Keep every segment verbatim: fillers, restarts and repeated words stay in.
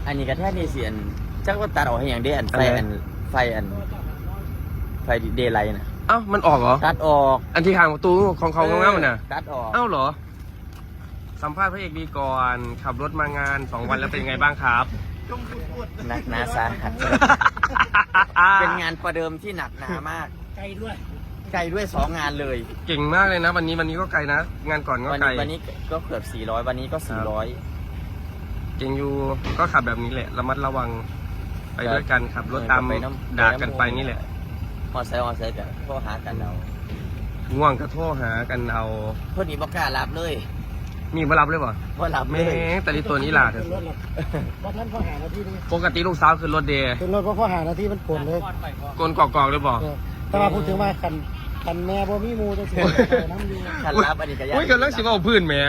อันนี้กระแทกนี่เสียนจักว่าตัดออกให้อย่างเดียนไฟอันไฟอันไฟเดย์ไลท์นะเอ้ามันออกเหรอตัดออกอันที่ข้างประตูของเขาง่ายๆมันน่ะตัดออกเอ้าเหรอสัมภาษณ์พระเอกดีก่อนขับรถมางานสองวันแล้วเป็นยังไงบ้างครับหนักหนาสาหัสเป็นงานประเดิมที่หนักหนามากไกลด้วยไกลด้วยสองงานเลยเก่งมากเลยนะวันนี้วันนี้ก็ไกลนะงานก่อนก็ไกลวันนี้ก็เกือบสี่ร้อยวันนี้ก็สี่ร้อยเก่งอยู่ก็ขับแบบนี้แหละระมัดระวังไปด้วยกันขับรถตามด่ากันไปนี่แหละมอไซค์มอไซค์กันโทรหากันเอาง่วงก็โทรหากันเอาพอดีบอกกล้ารับเลยมีมารับเลยป่ะว่ารับแม่แต่ที่ตัวนี้ล่ะเถอะวันนั้นพ่อหานาทีนึงปกติลูกสาวคือรถเดย์คือรถพ่อหานาทีมันกลนเลยกลนกอกๆเลยป่ะแต่ว่าพูดถึงว่าคันคันแม่บ่มีมูจะเสียน้ำอยู่คันรับอันนี้ก็ยากโอ้ยกำลังสิบเอาพื้นแม่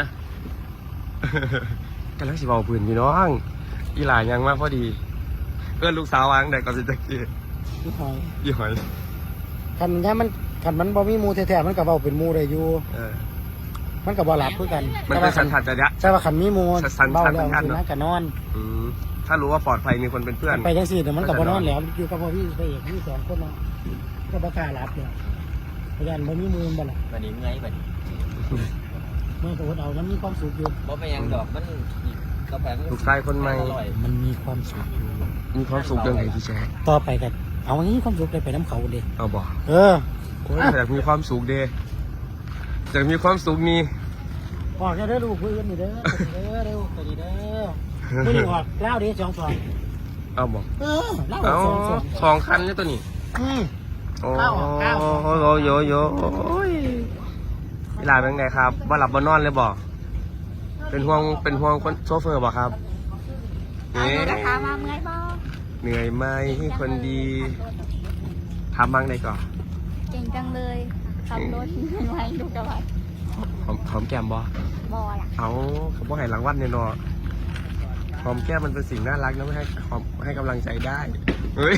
กำลังสิบเอาพื้นพี่น้องอีหลานยังมากพอดีเพื่อนลูกสาววางแต่ก่อนสิตะกี้ยี่หอยยี่หอยคันนี้มันคันมันบ่มีมูแท้ๆมันก็เบาเป็นมูได้อยู่มันกับบ่หลับเพื่อกันมันเป็นสันทัดจะยะใช่ว่าขันมีมูเบาแล้วกินนะกับนอนถ้ารู้ว่าปลอดภัยมีคนเป็นเพื่อนไปจังสี่แต่มันกับบ่นอนแล้วอยู่กับพ่อพี่ไปเอกพี่สองคนเนาะก็บ่กล้าหลับเนี่ยพยานบ่มีมือบ่ล่ะวันนี้เมื่อยวันนี้เมื่อตัวเอามันมีความสุขอยู่บ่ไปยังดอกมันกาแฟลูกชายคนใหม่มันมีความสุขอยู่มีความสุขยังไงพี่แจ๊ต่อไปกันเอางี้ความสุขได้ไปน้ำเขาเด้เอาบ่เอออยากมีความสุขเด้อยากมีความสุขนี่ออกจะได้ลูกเพื่อนนี่เด้อเด้อเด้อไปดีเด้อไม่ได้ออกเล่าเด้อสองสองเอาบ่เออเล่าสองสองสองคันนี่ตัวนี้อืมโอ้โหโยโยเวลาเป็นไงครับบ่หลับบ่นอนเลยบ่เป็นห่วงเป็นห่วงคนโซเฟอร์บ่ครับเอาหนูจะถามมาเมื่อยบ่เหนื่อยไหมคนดีทำบ้างได้ก่อนเก่งจังเลยขับรถไว้ดูกระบะหอมหอมแก้มบ่บ่ล่ะเอาเขาบอกให้รางวัลเนี่ยเนาะหอมแก้มมันเป็นสิ่งน่ารักนะไม่ให้หอมให้กำลังใจได้เฮ้ย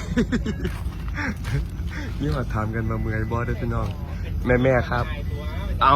นี่มาถามกันมาเมื่อยบ่ด้วยพี่น้องแม่แม่ครับเอา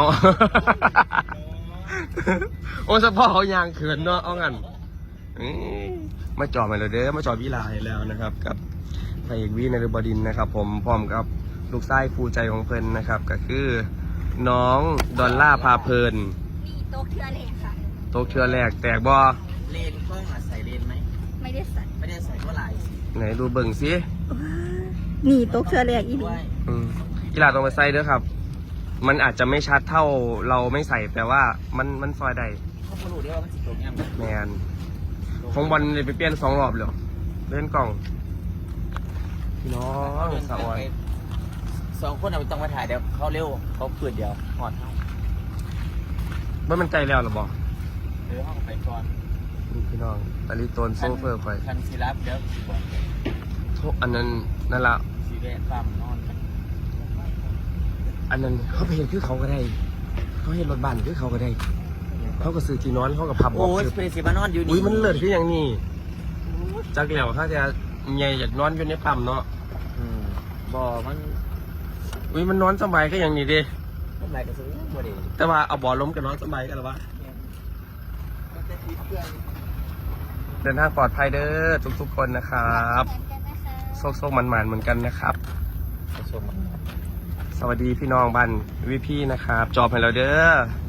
โอ้สะพ่อเขายางเขินเนาะเอางั้นมาจอดมาเลยเด้อมาจอดวิลาให้แล้วนะครับกับพระเอกวินฤบดินนะครับผมพร้อมกับลูกชายคู่ใจของเพิ่นนะครับก็คือน้องดอลล่าพาเพลินมีโต๊ะเทือแหลกค่ะโต๊ะเทือแหลกแตกบ่เลนกล้องอ่ะใส่เลนไหมไม่ได้ใส่ไม่ได้ใส่เท่าไหร่ไหนดูเบิ่งสินี่โต๊ะเทือแหลกอีกอืมกีฬาต้องไปใส่เด้อครับมันอาจจะไม่ชัดเท่าเราไม่ใส่แต่ว่ามันมันซอยได้เขาพูดได้ว่ามันสิตรงยังแมนของบอลเลยไปเปลี่ยนสองรอบเลยเล่นกล่องพี่น้องสาวสองคนเราต้องมาถ่ายเดี๋ยวเขาเร็วเขาเปิดเดียวหอดให้เมื่อมันใจแล้วหรอบอกเดี๋ยวห้องไปก่อนพี่น้องตาลีโตนโซเฟอร์ไปคันซีรับเดี๋ยวทุกอันนั้นนั่นละสีแดงความนอนอันนั้นเขาไปเห็นคือเขาก็ได้เขาเห็นรถบัสคือเขาก็ได้เขาก็ซื้อที่นอนเขาก็พับโอ้ยเป็นสีมานอนอยู่นี่อุ้ยมันเลิศที่อย่างนี้จักเหลี่ยวเขาจะใหญ่จากนอนอยู่ในปั๊มเนาะบ่มันอุ้ยมันนอนสบายก็อย่างนี้ดิสบายก็ซื้อบ่ดีแต่ว่าเอาบ่อล้มกับนอนสบายกันหรอวะเดินทางปลอดภัยเด้อทุกๆคนนะครับโซกๆมันๆเหมือนกันนะครับสวัสดีพี่น้องบ้านวิพี่นะครับจอบให้เราเด้อ